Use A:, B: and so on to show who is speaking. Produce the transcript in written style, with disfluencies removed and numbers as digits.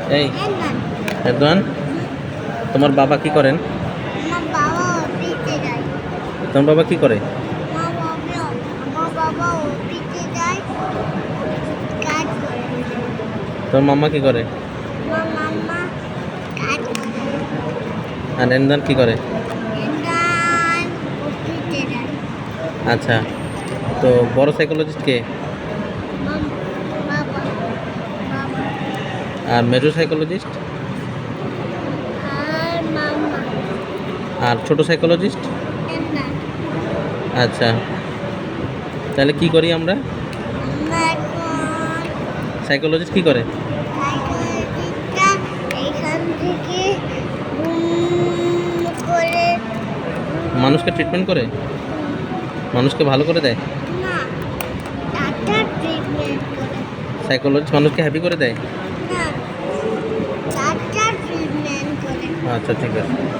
A: এই এরদোয়ান, তোমার বাবা কি করেন?
B: আমার বাবা অফিসে যায়।
A: তোমার বাবা কি করে?
B: আমার বাবা অফিসে যায়, কাজ করে।
A: তোমার মাম্মা কি করে?
B: আমার মাম্মা কাজ করে।
A: আর এনদান কি করে?
B: এন্দান অফিসে যায়।
A: আচ্ছা, তো বড় সাইকোলজিস্ট কে?
B: বাবা বাবা
A: আর মেজর সাইকোলজিস্ট?
B: আর মাম্মা
A: আর ছোট সাইকোলজিস্ট?
B: এন্দান।
A: আচ্ছা, তাহলে কি করি আমরা?
B: আমরা এখন
A: সাইকোলজিস্ট কি করে?
B: সাইকোলজিস্টটা এখান থেকে করে
A: মানুষকে ট্রিটমেন্ট করে, মানুষকে ভালো করে দেয়।
B: না, ডাক্তার ট্রিটমেন্ট করে।
A: সাইকোলজিস্ট মানুষকে হ্যাপি করে দেয়।
B: না, ডাক্তার ট্রিটমেন্ট করে।
A: আচ্ছা, ঠিক আছে।